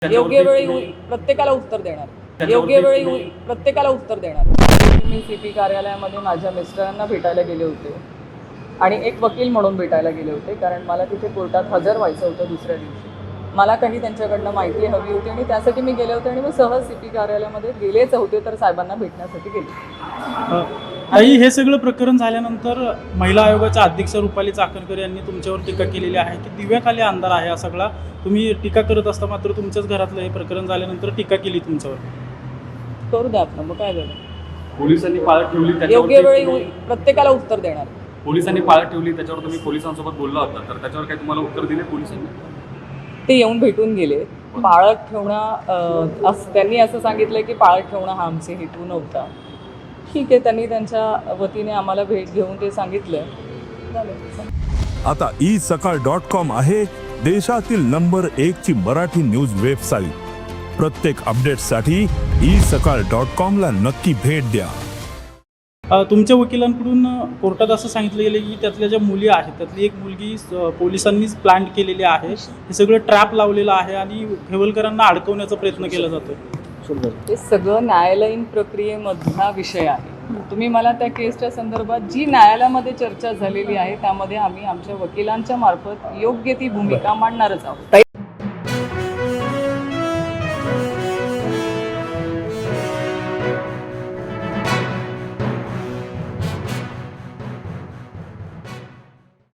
योग्य वेळी प्रत्येकाला उत्तर देणार. योग्य वेळी प्रत्येकाला उत्तर देणार. मी सीपी कार्यालयामध्ये माझ्या मिस्टरांना भेटायला गेले होते आणि एक वकील म्हणून भेटायला गेले होते, कारण मला तिथे कोर्टात हजर व्हायचं होतं दुसऱ्या दिवशी. मला काही त्यांच्याकडनं माहिती हवी होती आणि त्यासाठी मी गेले होते आणि मग सहज सीपी कार्यालयामध्ये गेलेच होते, तर साहेबांना भेटण्यासाठी गेले. आई, हे सगळं प्रकरण झाल्यानंतर महिला आयोगाच्या अध्यक्ष रुपाली चाकणकर यांनी तुमच्यावर टीका केलेली आहे की दिव्याखाली अंधार आहे हा सगळा. तुम्ही टीका करत असता, मात्र तुमच्याच घरातलं हे प्रकरण झाल्यानंतर टीका केली तुमच्यावर. करू द्या आपण, मग काय झालं. पोलिसांनी पाळत ठेवली, योग्य वेळी प्रत्येकाला उत्तर देणार. पोलिसांनी पाळत ठेवली, त्याच्यावर तुम्ही पोलिसांसोबत बोलला होता, तर त्याच्यावर काही तुम्हाला उत्तर दिले पोलिसांनी? ते येऊन भेटून गेले. पाळत ठेवणं त्यांनी असं सांगितलं की पाळत ठेवणं हा आमचे हेतू नव्हता. ठीक आहे, त्यांनी त्यांच्या वतीने आम्हाला भेट घेऊन ते सांगितलं. आता isakal.com आहे देशातील नंबर 1 ची मराठी न्यूज वेबसाईट. प्रत्येक अपडेटसाठी isakal.com ला नक्की भेट द्या. तुमच्या वकिलांकडून कोर्टात असं सांगितलं गेलं की त्यातल्या ज्या मुली आहेत त्यातली एक मुलगी पोलिसांनीच प्लॅन केलेली आहे. हे सगळं ट्रॅप लावलेलं आहे आणि खेवलकरांना अडकवण्याचा प्रयत्न केला जातो. ते सगळं न्यायालयीन प्रक्रियेमधला विषय आहे. तुम्ही मला त्या केसच्या संदर्भात जी न्यायालयामध्ये चर्चा झालेली आहे त्यामध्ये आम्ही आमच्या वकिलांच्या मार्फत योग्य ती भूमिका मांडणारच आहोत.